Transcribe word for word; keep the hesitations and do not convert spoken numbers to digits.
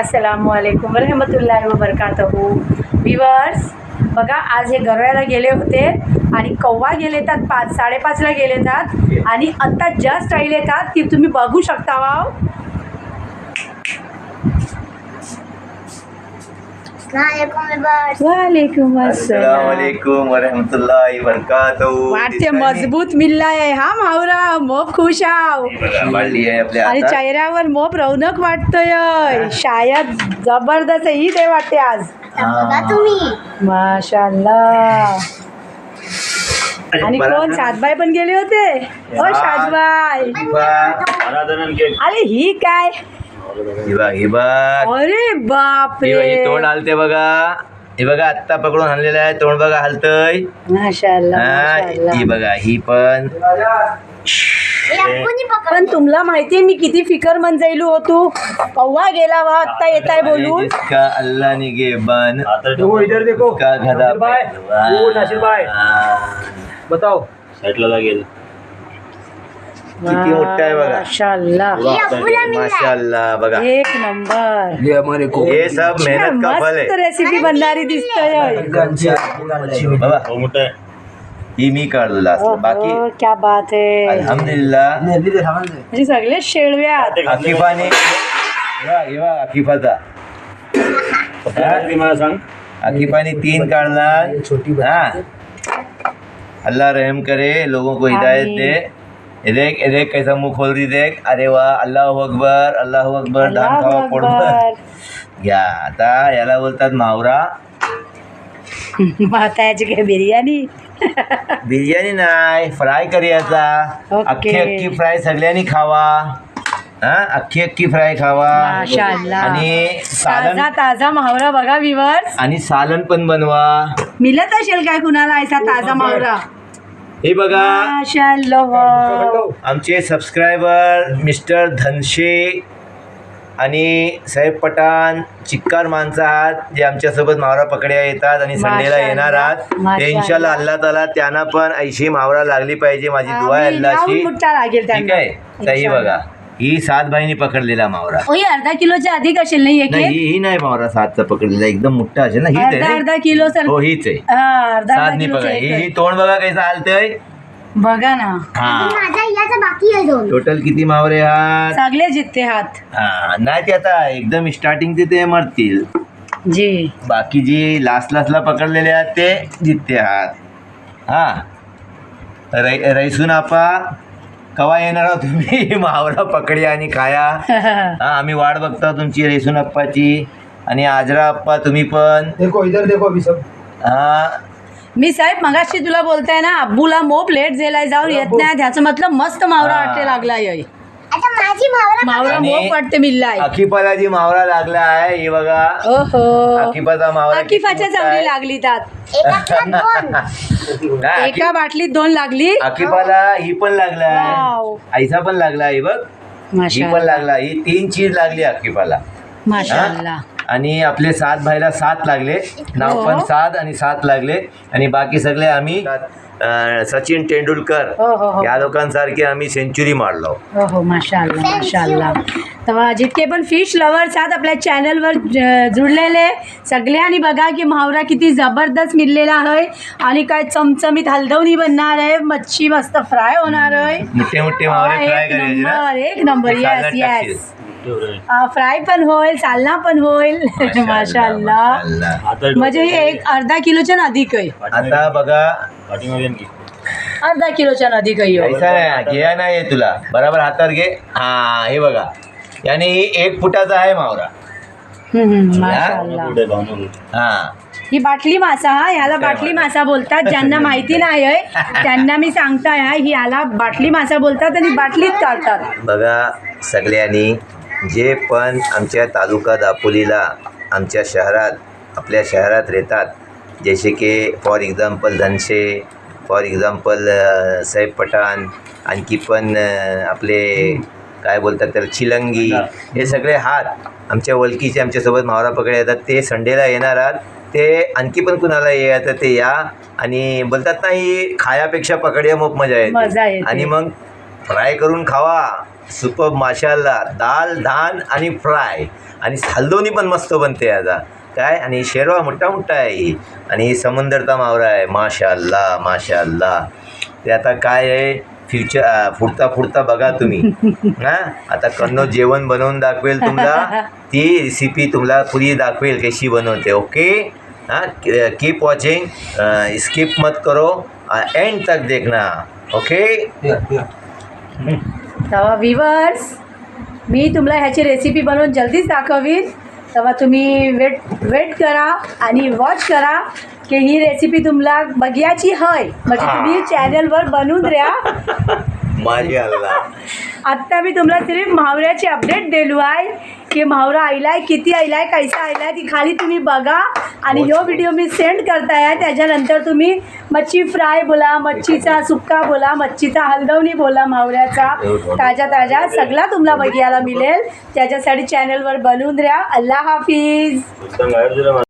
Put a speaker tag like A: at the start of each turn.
A: अस्सलामुअलैकुम रहमतुल्लाहि व बरकातहू. व्ह्यूअर्स बघा, आज हे गरव्याला गेले होते आणि कव्वा गेले येतात पाच साडेपाचला गेले येतात आणि आत्ता जस्ट राहिले येतात की तुम्ही बघू शकता. वाव, वालेकुम
B: अस्सलाम वरहमतुल्लाहि वबरकातुहू.
A: वाटते मजबूत मिल्ला आहे हा मावरा. मोप खुश आव
B: वाढली आहे आपल्या
A: आणि
B: हातात.
A: चेहऱ्यावर मोप रौनक वाटतोय. शायद जबरदस्त ईद आहे वाटते आज.
C: तुम्ही
A: माशाल्लाह. आणि कोण सातबाई पण गेले होते. ओ सातबाई, अरे ही काय,
B: हे बघ हे बघ
A: अरे बाप
B: हे बघ, हे
A: रे,
B: तोंड हलते बघा. हे बघा आत्ता पकडून आणलेलं आहे तोंड बघा हलतय.
A: माशाल्लाह
B: हा,
A: माशाल्लाह.
B: ही बघा ही पण.
A: पण तुम्हाला माहितीये मी किती फिकर मंजाइलू होतो. कव्वा गेला वा आत्ता येत आहे बोलून.
B: जिसका अल्लाह ने गेबन
D: इधर देखो
B: उसका गधा
D: भाई,
B: पहलवान.
D: वो नासिर भाई. बताओ
E: साईडला लागेल.
B: किती मोठा आहे बघा.
A: माशाल्लाह,
B: माशाल्लाह बघा.
A: एक नंबर.
D: ये हमारे को
B: ये सब मेहनत का फल
A: मस्त
B: आहे.
A: रेसिपी बनणारी दिसतोय.
B: बाबा
E: हो मोठा आहे.
B: ही मी काढलो लास्ट. बाकी
A: ओहो, क्या बात आहे.
B: अल्हम्दुलिल्लाह.
A: म्हणजे सगळे शेळव्यात.
B: अकिफाने हे बघ अकिफाचा
E: ती मला सांग.
B: अकीफा ने तीन काढला. हाँ, अल्लाह रहम करे, लोगों को हिदायत दे. ये देख ये देख कैसा मुंह खोल रही देख. अरे वाह, अल्लाह अकबर अल्लाह अकबर. धान
A: अल्लाहू
B: खावा पोटभर.
A: अकबर.
B: या आता याला बोलतात मावरा.
A: माताची काय बिर्याणी.
B: बिर्याणी नाही, फ्राय करायचा.
A: ओके.
B: अख्खी अख्खी फ्राय सगळ्यांनी खावा. हा, अख्खी अख्खी फ्राय खावा.
A: माशाल्लाह.
B: आणि सालन
A: ताजा ताजा मावरा बघा व्ह्यूअर्स.
B: आणि सालन पण बनवा.
A: मिळत असेल काय कुणाला ऐसा ताजा मावरा.
B: हे बघा
A: माशाल्लाह.
B: आमचे सबस्क्रायबर मिस्टर धनशे आणि साहेब पठाण, चिक्कार माणसं आहात जे आमच्यासोबत मावरा पकड्या येतात आणि संडेला
A: माशाल्लाह,
B: येणार आहात. ते
A: माशाल्लाह.
B: इन्शाल्लाह अल्लाह ताला त्यांना पण ऐशी मावरा लागली पाहिजे. माझी दुआ आहे
A: आम्ही लावून
B: अल्लाची.
A: मुठ्ठा लागेल
B: ठीक
A: त्यांना.
B: आहे. तर ही बघा, ही सात भाईनी पकडलेला मावरा.
A: ओय, अर्धा किलोच्या अधिक असेल नाही एक
B: नाही,
A: एक?
B: ही ही नाही मावरा सातचा पकडलेला, एकदम मोठा असेल ना. हीच
A: अर्धा
B: आहे
A: अर्धा
B: ना?
A: Kilo sir.
B: हो, हीच आहे.
A: हा, अर्धा अर्धा
B: सातनी
A: किलोचं
B: बघा.
A: एक
B: ही
A: आहे.
B: ही तोंड बघा कैसा हालतंय.
A: बघा ना,
B: हा,
C: माझा याचा बाकी आहे दोन.
B: टोटल किती मावरे आहात.
A: सगळे जितते हात.
B: हा, नाही ते आता एकदम स्टार्टिंगचे ते मरतील.
A: जी,
B: बाकी जी लास्ट लास्टला पकडलेले आहेत ते जितते आहात. हा, रै रैसून आपा कवा येणार आहोत तुम्ही मावरा पकडी आणि खाया. हा, आम्ही वाट बघता तुमची रैसून अप्पाची. आणि आजरा अप्पा तुम्ही पण.
D: देखो इधर देखो अभी सब.
B: हा,
A: मी साहेब मगाशी तुला बोलताय ना, अब्बूला मोप लेट झालाय जाऊन येत नाही. त्याचं मतलब मस्त मावरा
B: हा.
A: वाटते लागलाय.
C: आता माझी मावरा
A: मावरा
B: आणि
A: मोप वाटते मिल्लाय.
B: अकिफाला जी मावरा लागला आहे ही बघा.
A: ओहो,
B: अकिफाचा मावरा किती
A: अकिफाच्या
B: मोठा
A: चांगली
B: आहे.
A: लागली त्यात.
C: एकातल्या दोन.
B: नाही, अकि-
A: एका बाटलीत दोन लागली.
B: अकिफाला ही पण लागलाय.
A: वाव.
B: आईसा पण लागला ही बघ. ही पण
A: माशाल्लाह
B: लागला. ही तीन चीज लागली अकिफाला.
A: माशाल्लाह.
B: आणि आपले सात भाईला सात लागले. नाव
A: हो.
B: पण सात आणि सात लागले. आणि बाकी सगळे आम्ही अं, सचिन तेंडुलकर
A: हो हो हो
B: या लोकांसारखे आम्ही सेंचुरी मारलो.
A: हो हो माशाल्लाह माशाल्लाह. तर जितके पण फिश लवर्स आहेत आपल्या चॅनलवर ज- जुळलेले सगळ्यांनी बघा की मावरा किती जबरदस्त मिळलेला आहे. आणि काय चमचमीत हलदवणी बनणार आहे. मच्छी मस्त फ्राय होणार आहे.
B: मोठे मोठे
A: हा,
B: मावरे फ्राय
A: एक
B: करायचे ना.
A: नंबर एक नंबर.
B: ते
A: येस
B: सालाड
A: येस.
B: टाकशील.
A: फ्राय पण होईल, सालना पण होईल. माशाल्लाह.
B: माशाल्लाह.
E: आता
A: म्हणजे हे एक अर्धा किलोच्या अधिक आहे.
B: आता बघा
E: पाठीमागे आणखी.
A: अर्धा किलोच्या अधिक आहे ह्यो.
B: ऐसा नाही घ्या नाही तुला बरोबर हातावर घे. हा, हे बघा याने ही एक फुटाचा आहे मावरा.
A: हम्म, हम्म, माशाल्लाह.
E: पुढे भावना बोल.
B: हा,
A: ही बाटली मासा हा ह्याला बाटली मासा बोलतात. ज्यांना माहिती नाही आहे त्यांना मी सांगताय हा, ही याला बाटली मासा बोलतात आणि बाटलीत काढतात.
B: बघा सगळ्यांनी जे पण आमच्या तालुका दापोलीला आमच्या शहरात आपल्या शहरात राहतात, जसे की फॉर एक्झाम्पल धनशे, फॉर एक्झाम्पल साहेब पठाण, आणखी पण अ, आपले काय बोलतात त्याला चिलंगी, हे सगळे हात आमच्या ओळखीचे आमच्यासोबत मावरा पकडे येतात. ते संडेला येणार आहात. ते आणखी पण कुणाला यायचं ते या. आणि बोलतात ना ही खायापेक्षा पकड्या मग मजा
A: मजा
B: येते.
A: येते.
B: आणि मग फ्राय करून खावा सुपर माशाल्लाह दाल धान आणि फ्राय आणि हलदोनी पण मस्त बनते आता काय. आणि शेरवा मोठा मोठा आहे ही आणि ही समंदरचा मावरा आहे. माशाल्लाह माशाल्लाह. ते आता काय आहे फ्युचर फुडता फुडता बघा तुम्ही हां. आता कन्नो जेवण बनवून दाखवेल तुम्हाला, ती रेसिपी तुम्हाला पुरी दाखवेल कशी बनवते. ओके हाँ, कीप वॉचिंग, स्किप मत करो, एंड तक देखना. ओके.
A: तेव्हा व्हिवर्स मी तुम्हाला ह्याची रेसिपी बनवून जल्दीच दाखवीन. तेव्हा तुम्ही वेट वेट करा आणि वॉच करा की ही रेसिपी तुम्हाला बघायची हय म्हणजे तुम्ही चॅनलवर बनवून द्या.
B: माशाल्लाह.
A: आत्ता मी तुम्हाला सिर्फ म्हावऱ्याची अपडेट दिलो आहे की म्हावरा आयलाय किती आयलाय कैसा आयलाय ती खाली तुम्ही बघा आणि ह्यो व्हिडिओ मी सेंड करताय. त्याच्यानंतर तुम्ही मच्छी फ्राय बोला, मच्छीचा सुक्का बोला, मच्छीचा हलदवणी बोला, म्हावऱ्याचा ताज्या ताज्या सगळा तुम्हाला बघायला मिळेल. त्याच्यासाठी चॅनलवर बनवून द्या. अल्लाह हाफिज.
E: उत्तम बाहेर दिलं मला.